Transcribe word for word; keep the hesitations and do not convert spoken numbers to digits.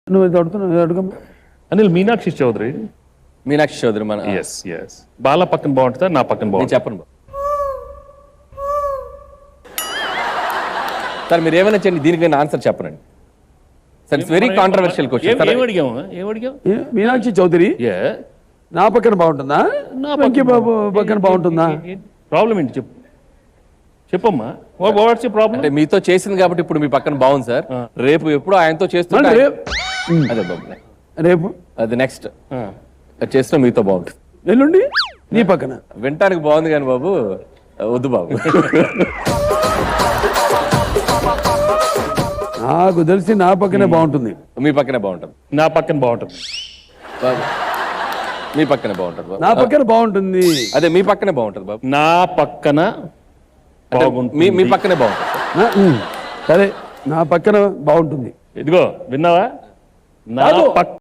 నువ్వు ఇది అడుగుతున్నావు అడుగమ్మా. అనిల్ మీనాక్షి చౌదరి. మీనాక్షి చౌదరి మన ఎస్ ఎస్ బాల పక్కన బాగుంటుందా నా పక్కన నేను బాగుంటుంది? చెప్పను బాబు. సార్ మీరు ఏమైనా చేయండి, దీనికి నేను ఆన్సర్ చెప్పనండి sir. It's very controversial question. ఏం అడిగాము ఏం అడిగావు? ఏ, మీనాక్షి చౌదరి ఏ నా పక్కన బాగుంటుందా వెంకీ బాబు పక్కన బాగుంటుందా? ప్రాబ్లం ఏంటి చెప్పు చెప్పమ్మా. What's problem? అంటే మీతో చేసింది కాబట్టి ఇప్పుడు మీ పక్కన బాగుంది సార్. రేపు ఎప్పుడు ఆయనతో చేస్తుంటే అంటే రేపు అదే బాబు రేపు అది నెక్స్ట్ చేసిన మీతో బాగుంటుంది. ఎల్లుండి నీ పక్కన వినటానికి బాగుంది కానీ బాబు వద్దు బాబు. నాకు తెలిసి నా పక్కనే బాగుంటుంది. మీ పక్కనే బాగుంటుంది నా పక్కన బాగుంటుంది. బాబు మీ పక్కనే బాగుంటుంది బాబు. నా పక్కన బాగుంటుంది. అదే మీ పక్కనే బాగుంటుంది బాబు. నా పక్కన అంటే బాగుంటుంది. మీ మీ పక్కనే బాగుంటుంది సార్. నా- ఉమ్, సరే నా పక్కన బాగుంటుంది. ఇదిగో విన్నావా? నా కాదు. పక్క